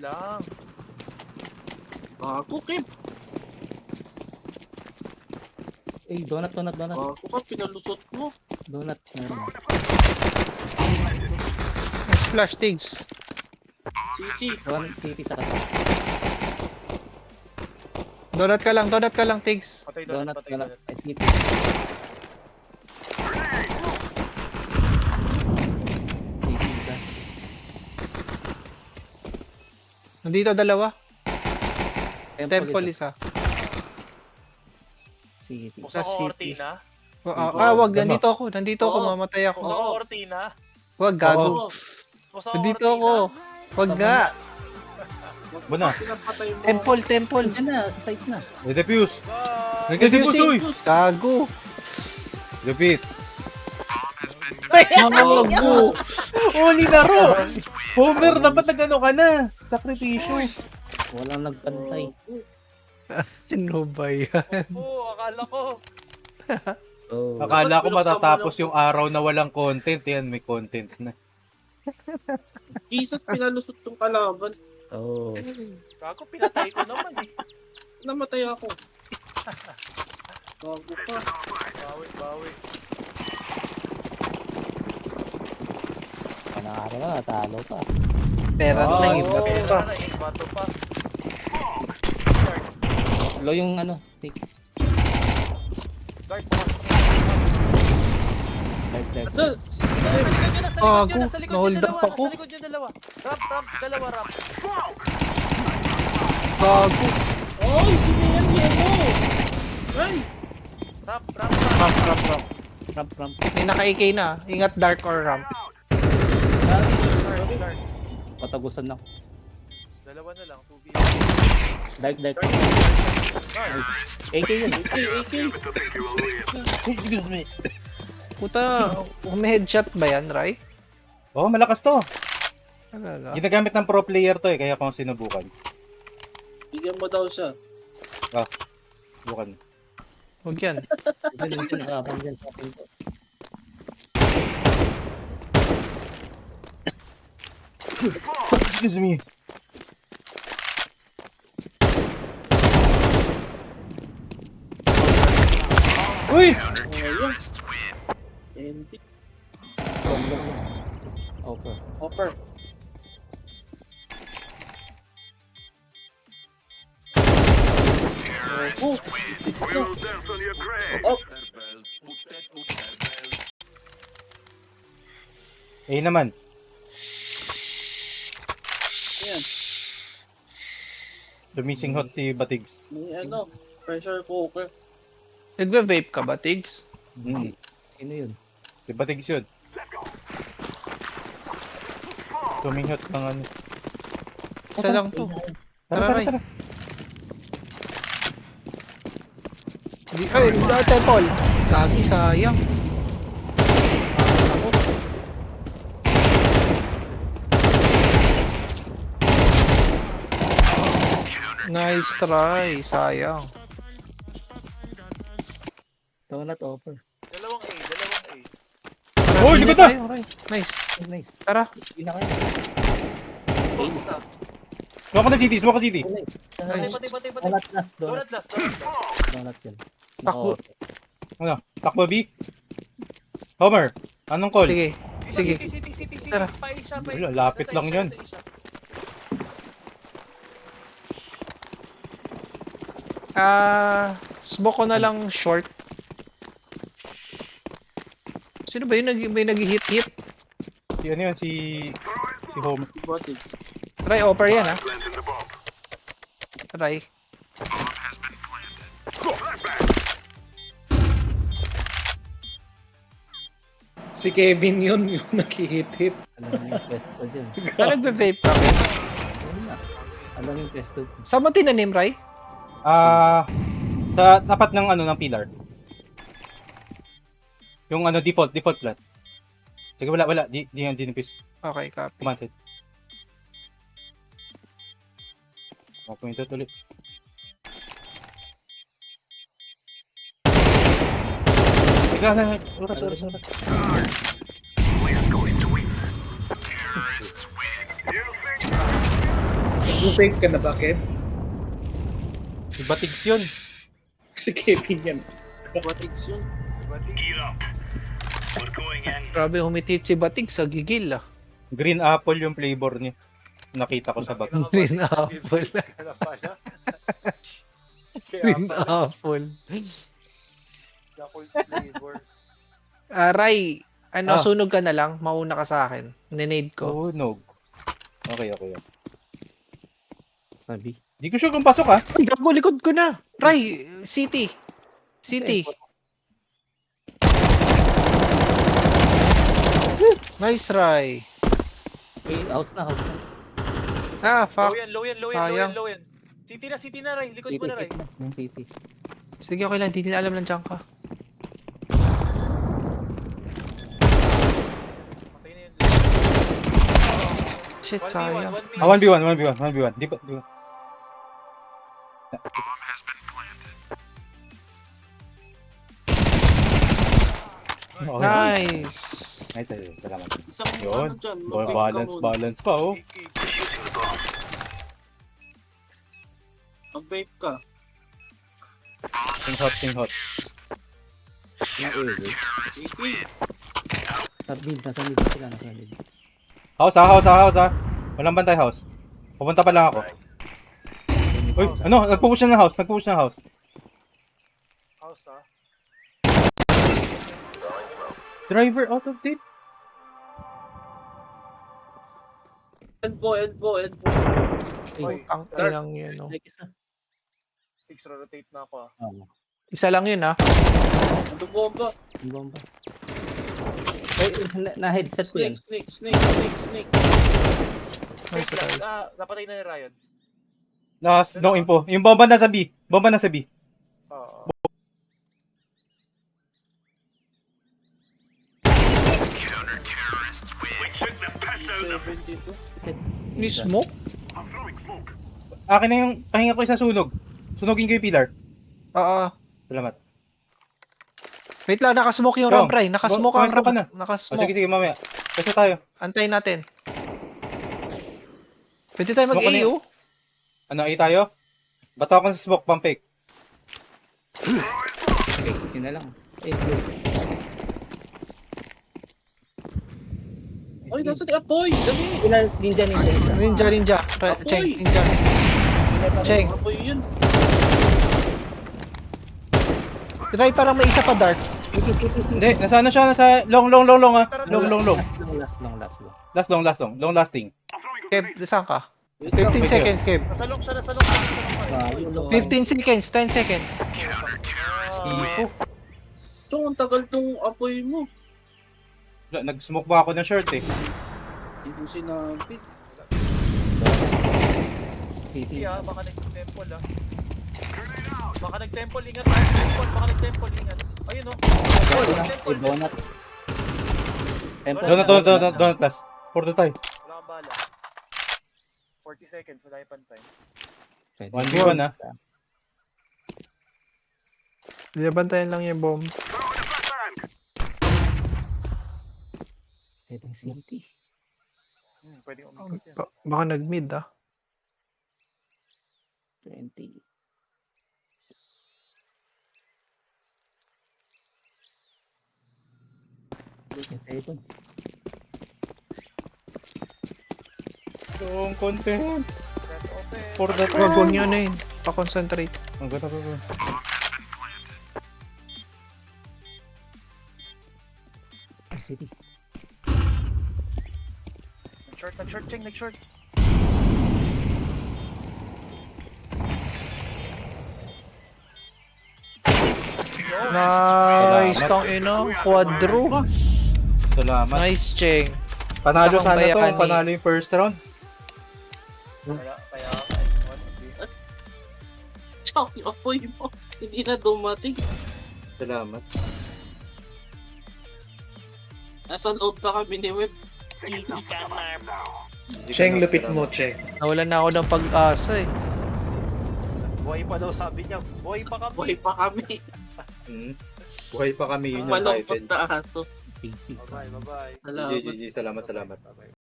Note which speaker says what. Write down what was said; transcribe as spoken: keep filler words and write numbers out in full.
Speaker 1: lang.
Speaker 2: Ako, Kim.
Speaker 3: Eh, donut, donut, donut.
Speaker 2: Ako ka, pinalusot mo.
Speaker 3: Donut. Meron na.
Speaker 4: Nice flash, Tigs.
Speaker 2: Cici.
Speaker 3: Donut city sa kata.
Speaker 4: Donut ka lang, donut ka lang, Tigs.
Speaker 1: Patay doon,
Speaker 3: Donut,
Speaker 1: patay
Speaker 3: donut.
Speaker 1: doon.
Speaker 3: Ay, city. City isa.
Speaker 4: Nandito dalawa.
Speaker 3: Temple,
Speaker 4: Temple
Speaker 3: isa.
Speaker 4: isa.
Speaker 3: City.
Speaker 1: Buksan
Speaker 4: Sa
Speaker 1: ko
Speaker 4: city.
Speaker 1: Cortina.
Speaker 4: Ah, ah, wag,
Speaker 5: Ano?
Speaker 4: nandito ako, nandito ako,
Speaker 2: Oo.
Speaker 4: mamatay ako.
Speaker 1: Buksan ko
Speaker 2: Oo.
Speaker 1: Cortina.
Speaker 4: Wag, gago.
Speaker 2: Oo.
Speaker 1: Buksan ko
Speaker 4: Nandito
Speaker 1: Cortina.
Speaker 4: ako. Wag nga.
Speaker 5: Buna.
Speaker 2: Pinapatay mo.
Speaker 4: Temple, temple.
Speaker 3: Diyan na, sa site na.
Speaker 5: Nag-defuse.
Speaker 1: Ah,
Speaker 5: Nag-defuse, uy!
Speaker 4: Gago.
Speaker 5: Repeat.
Speaker 4: Gago.
Speaker 5: Uli na ro! Homer, dapat nag-ano ka na. Sakripisyo.
Speaker 3: Walang nagpantay.
Speaker 4: Ano ba yan?
Speaker 1: Oo, akala ko.
Speaker 3: Oh.
Speaker 5: Akala ko matatapos yung araw na walang content. Yan, may content na.
Speaker 2: Jesus, pinalusot tong kalaban.
Speaker 3: Oh.
Speaker 1: Gago, pinatay ko naman eh.
Speaker 2: Namatay ako. Gago ka.
Speaker 1: Bawi, bawi.
Speaker 3: Panakari na, natalo pa.
Speaker 4: Pera
Speaker 5: Oh,
Speaker 4: lang, iba
Speaker 1: Pera
Speaker 4: pa.
Speaker 1: na, eh, bato pa.
Speaker 3: Low yung ano, stick.
Speaker 1: Guard, bukas.
Speaker 3: Live, live.
Speaker 2: Ito,
Speaker 4: Gago, na-hold up ako.
Speaker 1: Sa likod yung dalawa. Ramp, ramp, dalawa ramp.
Speaker 4: Gago.
Speaker 2: Oy, si Mian Yemo! Ay!
Speaker 1: Ramp, ramp, ramp.
Speaker 4: Ramp, ramp, ramp.
Speaker 3: Ramp, ramp.
Speaker 4: May naka-A K na. Ingat dark or ramp.
Speaker 1: Guard, guard.
Speaker 3: Patagusan lang.
Speaker 1: Dalawa na lang, two v
Speaker 3: Dark, dark. A K yun.
Speaker 2: A K, A K.
Speaker 3: Excuse me.
Speaker 4: Puta, umi-headshot ba yan, Rai?
Speaker 5: Oo, oh, malakas to.
Speaker 4: Talaga.
Speaker 5: Ginagamit ng pro player to eh, kaya kung sinubukan.
Speaker 2: Bigyan mo daw siya.
Speaker 5: Subukan.
Speaker 4: Huwag yan.
Speaker 3: Diyan, diyan, nakakam dyan sa akin to.
Speaker 5: Excuse me. Uy!
Speaker 2: Ayun. Endi.
Speaker 3: Offer.
Speaker 2: Offer. Oh! Oh!
Speaker 5: Eh naman.
Speaker 2: Ayan.
Speaker 5: Dumising hot si Batigs.
Speaker 2: May ano, pressure cooker.
Speaker 4: Nagwe-vape ka ba, Tigs?
Speaker 5: Mm.
Speaker 3: Sino yun?
Speaker 5: Si Batigs yun. Duming hot ng ano.
Speaker 4: Isa lang to.
Speaker 5: Tara,
Speaker 4: Tara,
Speaker 5: tara,
Speaker 4: Rai.
Speaker 5: tara.
Speaker 4: Di, ay, uh, temple. Gagi, sayang. Nice try, sayang.
Speaker 3: Donut offer.
Speaker 1: Dalawang A, dalawang A.
Speaker 4: Tara,
Speaker 5: Uy,
Speaker 4: hindi
Speaker 5: likod na!
Speaker 4: tayo, Rai. Nice.
Speaker 3: Oh, nice.
Speaker 4: Tara.
Speaker 3: Hindi na kayo.
Speaker 1: Isa.
Speaker 5: Smoke ka na city, smoke ka city.
Speaker 3: Oh, nice.
Speaker 1: Patay,
Speaker 4: Nice.
Speaker 1: patay, patay, patay.
Speaker 3: Donut last, donut.
Speaker 1: Donut last, donut last.
Speaker 3: Donut yun.
Speaker 4: Takbo.
Speaker 5: Ano? Takbo B? Homer, anong call?
Speaker 4: Sige. Sige.
Speaker 1: City, city, city, city.
Speaker 4: Tara.
Speaker 1: Pa A siya, pa A.
Speaker 5: Wala, lapit
Speaker 1: Nasa A
Speaker 5: lang
Speaker 1: siya,
Speaker 5: yan.
Speaker 1: nasa A siya.
Speaker 4: Ah, smoke ko na lang short. Sino ba yun? Nag may nag-hit-hit?
Speaker 5: Si ano yun, si... Si Homer.
Speaker 2: Botic.
Speaker 4: Rai, offer yan, ha? Rai. Si Kevin yun, yung nag-hit-hit.
Speaker 3: Alam mo yung pesto dyan.
Speaker 4: Ah, nagbe-vape ka.
Speaker 3: Ayun na. Alam mo yung pesto.
Speaker 4: Saan mo tinanim, Rai?
Speaker 5: Ah... sa tapat ng ano, ng pillar. Yung ano, default, default plat. Sige, wala, wala. Di, di yan, dinipis.
Speaker 4: Okay, copy.
Speaker 5: Command set. Mapunta ulit. Sige, na, oras, oras, oras.
Speaker 4: Nag-fake ka na ba, Kev?
Speaker 5: Iba tigs yun.
Speaker 4: Si Kevin yan.
Speaker 2: Batigs yun.
Speaker 6: Grabe humitit si Batig sa gigil ah.
Speaker 5: Green apple yung flavor niya. Nakita ko sa bag.
Speaker 6: Green apple.
Speaker 1: Kaya pala. Kaya
Speaker 6: Green
Speaker 1: pala.
Speaker 6: apple.
Speaker 1: Yakult flavor.
Speaker 6: Ah, Ray, ano,
Speaker 5: Ah.
Speaker 6: sunog ka na lang. Mauna ka sa akin. Ninade ko.
Speaker 5: Tunog. Okay, okay.
Speaker 3: Sabi.
Speaker 5: Di ko sure kung pasok ah.
Speaker 6: Ay, gago, likod ko na. Ray, city. City. Nice, Ray.
Speaker 3: Eh, house na, house na.
Speaker 6: Ah,
Speaker 1: Low
Speaker 6: fuck.
Speaker 1: yan, low yan, low yan, low
Speaker 6: Sayang.
Speaker 1: yan, low yan. City na, city na, Ray. Likod mo
Speaker 3: City,
Speaker 1: na, Ray.
Speaker 3: city na. Yung city.
Speaker 6: Sige, okay lang. Hindi nila alam lang dyan ka.
Speaker 1: Patay na yun.
Speaker 6: Shit,
Speaker 1: one v one,
Speaker 6: sayang.
Speaker 1: one v
Speaker 5: Ah, one v one, one v one, one v one. Di ba? Di ba? Okay.
Speaker 6: Nice.
Speaker 5: Nice, nice. Salamat.
Speaker 2: Isang
Speaker 5: Yun.
Speaker 2: ano dyan.
Speaker 5: Ball
Speaker 2: mag-fake ka
Speaker 5: balance,
Speaker 2: muna.
Speaker 5: balance pa oh.
Speaker 2: Mag-vape ka.
Speaker 5: Sing hot, sing hot.
Speaker 3: Yung A, eh.
Speaker 2: Iki.
Speaker 3: Sa mid, nasa mid sila, nasa mid.
Speaker 5: House ah, house ah, house ah. Walang bantay house. Pupunta pa lang ako. Uy, ano? Nagpupush na ng house, nagpupush na ng house.
Speaker 1: House, ah.
Speaker 5: Driver out of date.
Speaker 2: Elbow, elbow, elbow.
Speaker 1: Oy,
Speaker 6: Ang inang yun, no.
Speaker 3: Like isa.
Speaker 1: Six, rotate na ako, ah.
Speaker 3: Oo.
Speaker 6: Isa lang yun, ah.
Speaker 2: Ano bomba?
Speaker 3: Yung bomba. Eh, na- na-headset ko yan.
Speaker 2: Snake, snake, snake, snake, snake.
Speaker 6: Nice,
Speaker 1: Snake lang.
Speaker 6: Ray.
Speaker 1: Ah, napatay na ni Ryan.
Speaker 5: Last, no info. Yung bomba nasa B. Bomba nasa B.
Speaker 1: Oo.
Speaker 2: seventy-two.
Speaker 6: Ni smoke?
Speaker 5: Akin na yung pahinga ko isa sunog. Sunogin ko yung pillar.
Speaker 6: Oo.
Speaker 5: Salamat.
Speaker 6: Wait lang, nakasmoke yung
Speaker 5: Rom,
Speaker 6: Rob, Ray. Nakasmoke ang
Speaker 5: pumasok
Speaker 6: Rob.
Speaker 5: ka na. O sige,
Speaker 6: Nakasmoke.
Speaker 5: sige, mamaya. Kasi tayo.
Speaker 6: Antayin natin. Pwede tayo
Speaker 5: Smoke ka na
Speaker 6: mag-A U?
Speaker 5: Ano, A tayo? Bato ako sa smoke, pump fake.
Speaker 3: Yun na lang. Eh, blue.
Speaker 2: Oy, nasa ni Apoy! Dali!
Speaker 3: Sila, ninja, ninja. ninja.
Speaker 6: Ninja, ninja. Ra-
Speaker 2: Apoy!
Speaker 6: Cheng, ninja. Cheng.
Speaker 2: Apoy yun.
Speaker 6: Ray, parang may isa pa dark.
Speaker 5: Hindi, nasa ano siya? Nasa long, long, long, long ah. Long, long, long.
Speaker 3: Long last, long last, long.
Speaker 5: Last long, last long. Long lasting.
Speaker 6: Kev, saan ka? fifteen seconds, Kev.
Speaker 1: Nasa long siya, nasa long siya, nasa long siya.
Speaker 3: Ah, yung long.
Speaker 6: fifteen seconds, ten seconds.
Speaker 5: Ipo.
Speaker 2: Chong, ang tagal tong Apoy mo.
Speaker 5: Nag-smoke ba ako ng shirt eh.
Speaker 2: Hindi ko sinabi.
Speaker 3: City.
Speaker 1: City, ah. Baka nag-temple, ah. Baka nag-temple, ingat. ah. Temple, baka nag-temple, ingat. Ayun, oh. Temple,
Speaker 3: Ay,
Speaker 1: temple.
Speaker 3: donut. Temple.
Speaker 5: Donut, donut, donut, donut, last. Porto tayo.
Speaker 1: Wala kang bala. forty seconds, wala yung pantay.
Speaker 3: Pwede.
Speaker 5: one v one ah.
Speaker 6: Binabantayan lang yung bomb.
Speaker 3: Pwede yung city.
Speaker 1: Hmm, pwedeng umikot yan.
Speaker 6: Ba- baka nag-mid, ah.
Speaker 3: twenty. ten seconds.
Speaker 5: Yung content.
Speaker 1: Set open.
Speaker 5: For the
Speaker 6: Wag, wag nyo na yun. Pa-concentrate.
Speaker 5: Ang ganda ko.
Speaker 3: City.
Speaker 1: Nag-short, nag-short, Cheng, nag-short.
Speaker 6: Nice,
Speaker 5: Salamat.
Speaker 6: tong ino. Quadro.
Speaker 5: Salamat.
Speaker 6: Nice, Cheng.
Speaker 5: Panalo
Speaker 6: Isa kang
Speaker 5: sana to.
Speaker 6: bayani.
Speaker 5: Panalo yung first round.
Speaker 1: Kaya, kaya, one, okay.
Speaker 2: Chong, yung Apoy mo. Hindi na dumating.
Speaker 5: Salamat.
Speaker 2: Nasa loob na kami ni Web.
Speaker 4: Cheng, lupit mo, Cheng.
Speaker 6: Nawalan na ako ng pag-asa eh.
Speaker 1: Buhay pa daw sabi niya. Buhay pa kami.
Speaker 2: Buhay pa kami.
Speaker 5: Hmm. Buhay pa kami yun yung
Speaker 2: Malungkot
Speaker 5: title.
Speaker 2: na aso.
Speaker 3: City.
Speaker 1: Bye-bye, bye-bye.
Speaker 2: Salamat.
Speaker 5: G G, salamat, salamat.
Speaker 1: Bye-bye.